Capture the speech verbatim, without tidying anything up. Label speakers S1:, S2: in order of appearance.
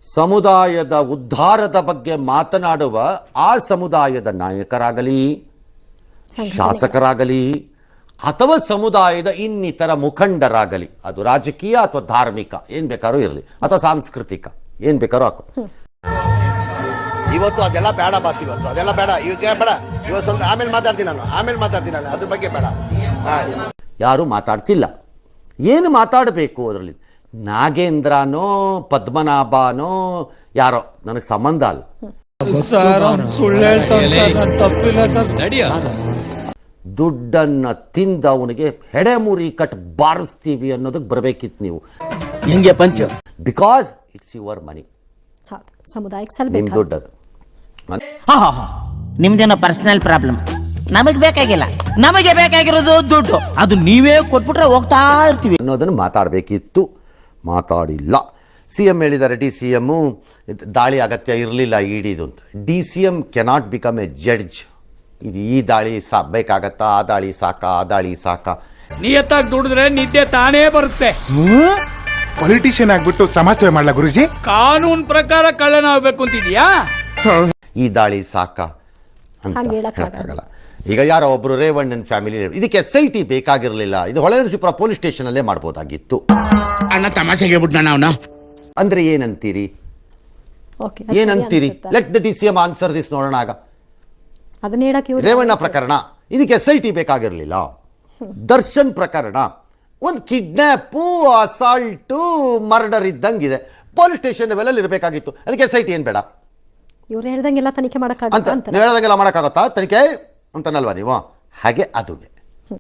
S1: ಸಮುದಾಯದ ಉದ್ಧಾರದ ಬಗ್ಗೆ ಮಾತನಾಡುವ ಆ ಸಮುದಾಯದ ನಾಯಕರಾಗಲಿ, ಶಾಸಕರಾಗಲಿ ಅಥವಾ ಸಮುದಾಯದ ಇನ್ನಿತರ ಮುಖಂಡರಾಗಲಿ, ಅದು ರಾಜಕೀಯ ಅಥವಾ ಧಾರ್ಮಿಕ ಏನ್ ಬೇಕಾದ್ರೂ ಇರಲಿ ಅಥವಾ ಸಾಂಸ್ಕೃತಿಕ ಏನ್ ಬೇಕಾದ್ರೂ ಹಾಕೋ.
S2: ಇವತ್ತು ಅದೆಲ್ಲ ಬೇಡ ಬಾಸ್, ಇವತ್ತು ಅದೆಲ್ಲ ಬೇಡ, ಈಗ ಬೇಡ. ಇವತ್ತು ಸ್ವಲ್ಪ ಆಮೇಲೆ ಮಾತಾಡ್ತೀನಿ ನಾನು, ಆಮೇಲೆ ಮಾತಾಡ್ತೀನಿ ನಾನು, ಅದ್ರ ಬಗ್ಗೆ ಬೇಡ.
S1: ಯಾರು ಮಾತಾಡ್ತಿಲ್ಲ. ಏನು ಮಾತಾಡಬೇಕು ಅದರಲ್ಲಿ? ನಾಗೇಂದ್ರನೋ ಪದ್ಮನಾಭನೋ ಯಾರೋ ನನಗೆ ಸಂಬಂಧ ಅಲ್ಲ. ದುಡ್ಡನ್ನ ತಿಂದ ಅವನಿಗೆ ಹೆಡೆಮುರಿ ಕಟ್ ಬಾರಿಸ್ತೀವಿ ಅನ್ನೋದಕ್ಕೆ ಬರಬೇಕಿತ್ತು ನೀವು.
S3: ಹಿಂಗೆ ಪಂಚ,
S1: ಬಿಕಾಸ್ ಇಟ್ಸ್ ಯುವರ್ ಮನಿ,
S4: ಸಮುದಾಯಕ್ಕೆ
S1: ನಿಮ್ ದುಡ್ಡದು.
S3: ನಿಮ್ದೇನೋ ಪರ್ಸನಲ್ ಪ್ರಾಬ್ಲಮ್, ನಮಗೆ ಬೇಕಾಗಿಲ್ಲ. ನಮಗೆ ಬೇಕಾಗಿರೋದು ದುಡ್ಡು, ಅದು ನೀವೇ ಕೊಟ್ಬಿಟ್ರೆ ಹೋಗ್ತಾ ಇರ್ತೀವಿ
S1: ಅನ್ನೋದನ್ನು ಮಾತಾಡಬೇಕಿತ್ತು, ಮಾತಾಡಿಲ್ಲ. ಸಿ ಎಂ ಹೇಳಿದ್ದಾರೆ ಡಿ ಸಿ ಎಮ್ಮು ದಾಳಿ ಅಗತ್ಯ ಇರಲಿಲ್ಲ ಇಡಿದು ಅಂತ. D C M cannot become a judge. ಇದು ಈ ದಾಳಿ ಸಾ ಬೇಕಾಗತ್ತಾ, ಆ ದಾಳಿ ಸಾಕಾ, ಆ ದಾಳಿ ಸಾಕಾ.
S5: ನಿಯತ್ತಾಗಿ ದುಡಿದ್ರೆ ನಿದ್ದೆ ತಾನೇ ಬರುತ್ತೆ.
S6: ಪೊಲಿಟಿಷಿಯನ್ ಆಗ್ಬಿಟ್ಟು ಸಮಾಜ ಸೇವೆ ಮಾಡ್ಲಾ ಗುರುಜಿ?
S5: ಕಾನೂನು ಪ್ರಕಾರ ಕಳ್ಳನ ಆಗ್ಬೇಕು ಅಂತಿದ್ಯಾ?
S1: ಈ ದಾಳಿ ಸಾಕಾ ಅಂತ ಹೇಳಕ್ಕಾಗಲ್ಲ. ಈಗ ಯಾರೋ ಒಬ್ರು ರೇವಣ್ಣನ್ ಫ್ಯಾಮಿಲಿ, ಇದಕ್ಕೆ ಎಸ್ ಐ ಟಿ ಬೇಕಾಗಿರಲಿಲ್ಲ, ಇದು ಹೊಳೆನರಸೀಪುರ ಪೊಲೀಸ್ ಸ್ಟೇಷನ್ ಅಲ್ಲೇ ಮಾಡ್ಬೋದಾಗಿತ್ತು.
S6: ಅಣ್ಣ ತಮಾಷೆಗೆ ಬಿಟ್ನ ಅವನ
S1: ಅಂದ್ರೆ ಏನಂತೀರಿ? ಏನಂತೀರಿ? Let the D C M answer this ನೋಡೋಣ. ಆಗ ರೇವಣ್ಣ ಪ್ರಕರಣ, ಇದಕ್ಕೆ ಎಸ್ ಐ ಟಿ ಬೇಕಾಗಿರಲಿಲ್ಲ. ದರ್ಶನ್ ಪ್ರಕರಣ ಒಂದು ಕಿಡ್ನಾಪು, ಅಸಾಲ್ಟು, ಮರ್ಡರ್ ಇದ್ದಂಗಿದೆ, ಪೊಲೀಸ್ ಸ್ಟೇಷನ್ ಲೆವೆಲಲ್ಲಿ ಇರಬೇಕಾಗಿತ್ತು. ಅದಕ್ಕೆ ಎಸ್ ಐ ಟಿ ಏನ್ ಬೇಡ?
S4: ಇವ್ರು ಹೇಳ್ದಂಗೆಲ್ಲ ತನಿಖೆ ಮಾಡಕ್ಕಾಗತ್ತ
S1: ಅಂತ ಹೇಳ್ದಂಗೆಲ್ಲ ಮಾಡಕ್ಕಾಗತ್ತಾ ತನಿಖೆ ಅಂತನಲ್ವಾ ನೀವು? ಹಾಗೆ ಅದು